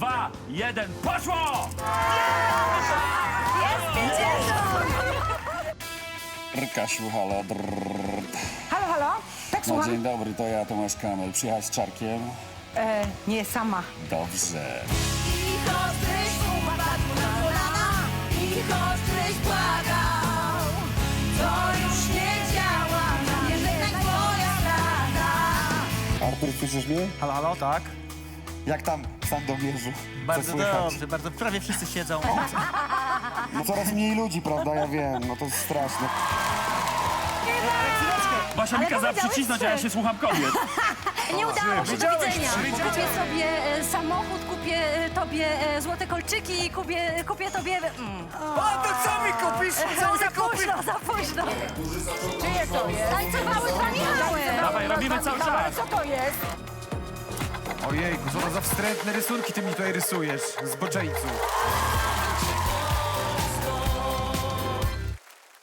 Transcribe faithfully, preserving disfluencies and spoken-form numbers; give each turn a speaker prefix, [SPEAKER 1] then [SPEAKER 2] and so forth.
[SPEAKER 1] dwa, jeden, poszło!
[SPEAKER 2] Jest pięćdziesiąt!
[SPEAKER 3] Kasiu, halo, drrr.
[SPEAKER 2] Halo, halo? Tak,
[SPEAKER 3] No,
[SPEAKER 2] słucham?
[SPEAKER 3] dzień dobry, to ja, Tomasz Kamel. Przyjechać z Czarkiem?
[SPEAKER 2] E, nie, sama.
[SPEAKER 3] Dobrze.
[SPEAKER 4] I choćbyś upadł na kolana, i choćbyś błagał, to już nie działa, nie żegnaj twoja strata.
[SPEAKER 3] Artur, słyszysz mnie?
[SPEAKER 5] Halo, halo, tak?
[SPEAKER 3] Jak tam w Sandomierzu? Co
[SPEAKER 5] Bardzo
[SPEAKER 3] słychać?
[SPEAKER 5] dobrze, bardzo, prawie wszyscy siedzą.
[SPEAKER 3] No coraz mniej ludzi, prawda? Ja wiem, no to jest straszne.
[SPEAKER 1] Basia mi kazała przycisnąć, a ja się słucham kobiet.
[SPEAKER 2] Nie udało się, do widzenia. Kupię sobie e, samochód, kupię e, tobie e, złote kolczyki i kupię, kupię tobie... Mm.
[SPEAKER 5] A to co mi kupisz? Co
[SPEAKER 2] za
[SPEAKER 5] mi kupisz?
[SPEAKER 2] późno, za późno. Czyje to jest? Tańcowały dwa Michały.
[SPEAKER 1] Dawaj, robimy cały czas.
[SPEAKER 2] Co to jest?
[SPEAKER 6] Ojejku, co to za wstrętne rysunki ty mi tutaj rysujesz, zboczeńcu.